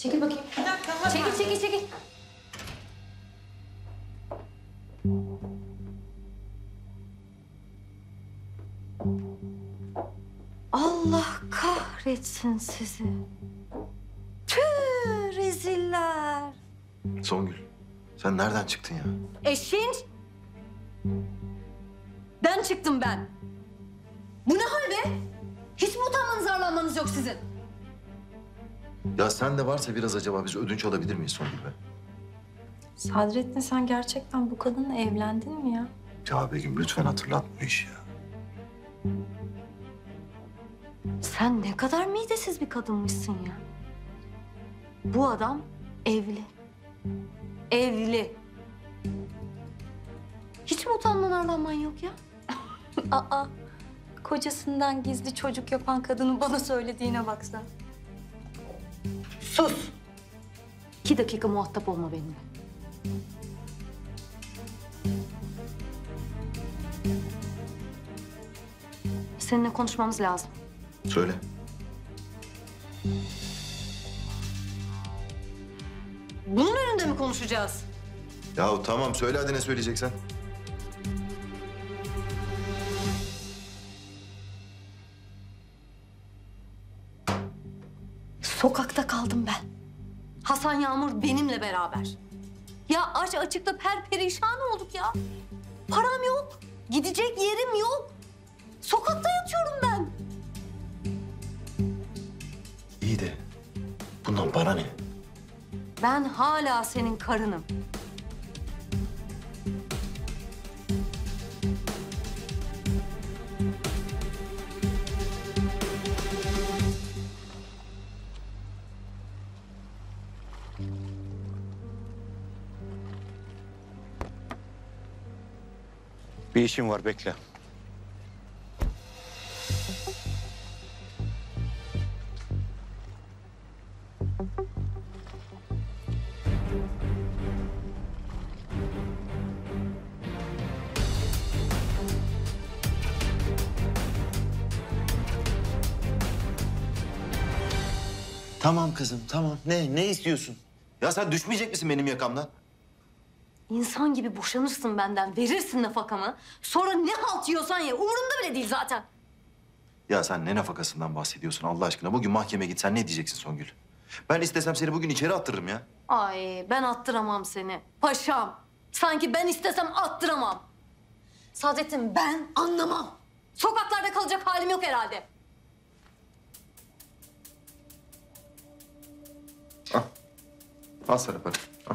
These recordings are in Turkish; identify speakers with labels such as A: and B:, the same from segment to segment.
A: Çekil bakayım.
B: Bir dakika.
A: Çekil. Allah kahretsin sizi. Tüh reziller.
C: Songül, sen nereden çıktın ya?
A: Eşin. Ben çıktım ben. Bu ne hal be? Hiç mi utanmanız arlanmanız yok sizin?
C: Ya sen de varsa biraz acaba biz ödünç alabilir miyiz Songül be?
D: Sadrettin sen gerçekten bu kadınla evlendin mi ya?
C: Ya Begüm lütfen hatırlat bu işi ya.
A: Sen ne kadar midesiz bir kadınmışsın ya. Bu adam evli. Evli. Hiç mi utanman arlanman yok ya?
D: Aa, kocasından gizli çocuk yapan kadının bana söylediğine baksan.
A: Sus! 2 dakika muhatap olma benimle. Seninle konuşmamız lazım.
C: Söyle.
A: Bunun önünde mi konuşacağız?
C: Yahu tamam söyle hadi ne söyleyeceksen.
A: Sokakta kaldım ben. Hasan Yağmur benimle beraber. Ya aç açıkta perperişan olduk ya. Param yok. Gidecek yerim yok. Sokakta yatıyorum ben.
C: İyi de bundan bana ne?
A: Ben hala senin karınım.
E: Bir işim var, bekle.
C: Tamam kızım tamam. Ne istiyorsun? Ya sen düşmeyecek misin benim yakamdan?
A: İnsan gibi boşanırsın benden, verirsin nafakamı. Sonra ne halt yiyorsan ye, umurumda bile değil zaten.
C: Ya sen ne nafakasından bahsediyorsun Allah aşkına? Bugün mahkemeye gitsen ne diyeceksin Songül? Ben istesem seni bugün içeri attırırım ya.
A: Ay ben attıramam seni. Paşam. Sanki ben istesem attıramam. Saadettin ben anlamam. Sokaklarda kalacak halim yok herhalde.
C: Al. Al sana para. Al.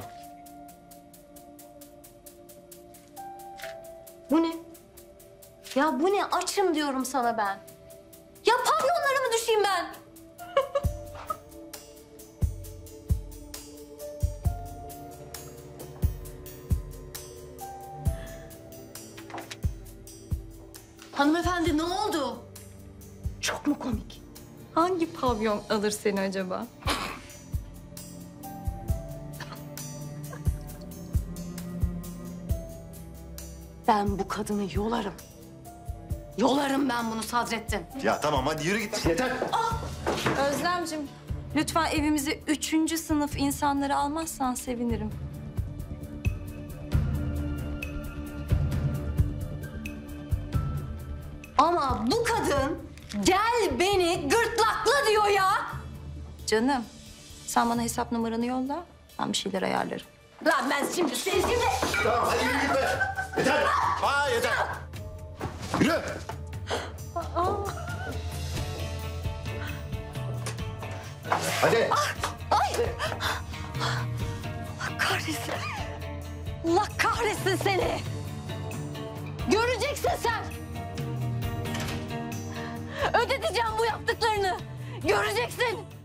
A: Bu ne? Ya bu ne? Açım diyorum sana ben. Ya pavyonlara mı düşeyim ben? Hanımefendi ne oldu? Çok mu komik?
D: Hangi pavyon alır seni acaba?
A: Ben bu kadını yolarım. Yolarım ben bunu Sadrettin.
C: Ya tamam hadi yürü git. Yeter.
D: Özlemcim, lütfen evimize 3. sınıf insanları almazsan sevinirim.
A: Ama bu kadın gel beni gırtlakla diyor ya.
D: Canım, sen bana hesap numaranı yolla, ben bir şeyler ayarlarım.
A: Lan ben şimdi seni şimdi...
C: Tamam hadi yürü git be. Yeter. Aa yeter. Yürü. Hadi.
A: Ay! Allah kahretsin. Allah kahretsin seni. Göreceksin sen. Ödeteceğim bu yaptıklarını. Göreceksin.